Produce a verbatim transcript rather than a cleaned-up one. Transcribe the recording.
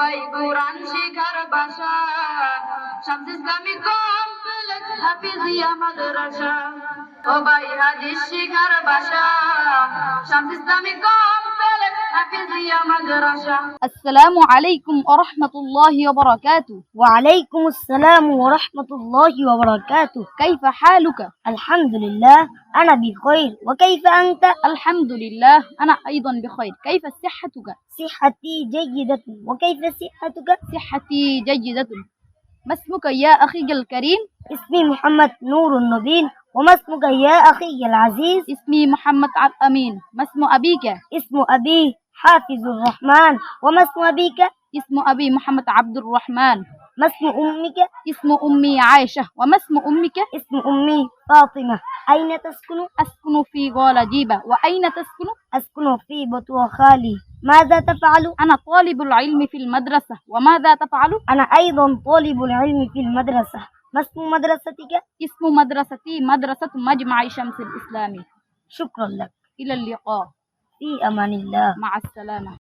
ভাই কোরআন শিখার ভাষা শামস ইসলামী কমপ্লেক্স হাফিজিয়া মাদ্রাসা ও ভাই হাদিস শিখার ভাষা শামস ইসলামী কমপ্লেক্স হাফিজিয়া মাদ্রাসা السلام عليكم ورحمة الله وبركاته. وعليكم السلام ورحمة الله وبركاته. كيف حالك؟ الحمد لله أنا بخير، وكيف أنت؟ الحمد لله أنا أيضا بخير. كيف صحتك؟ صحتي جيدة، وكيف صحتك؟ صحتي جيدة. ما اسمك يا أخي الكريم؟ اسمي محمد نور النبيل. وما اسمك يا أخي العزيز؟ اسمي محمد عبد أمين. ما اسم أبيك؟ اسم أبي حافظ الرحمن. وما اسم أبيك؟ اسم أبي محمد عبد الرحمن. ما اسم أمك؟ اسم أمي عائشة. وما اسم أمك؟ اسم أمي فاطمة. أين تسكن؟ أسكن في غالجيبة. وأين تسكن؟ أسكن في بطوى خالي. ماذا تفعل؟ أنا طالب العلم في المدرسة. وماذا تفعل؟ أنا أيضا طالب العلم في المدرسة. ما اسم مدرستك؟ اسم مدرستي مدرسة مجمع شمس الإسلامي. شكرا لك. إلى اللقاء. في أمان الله. مع السلامة.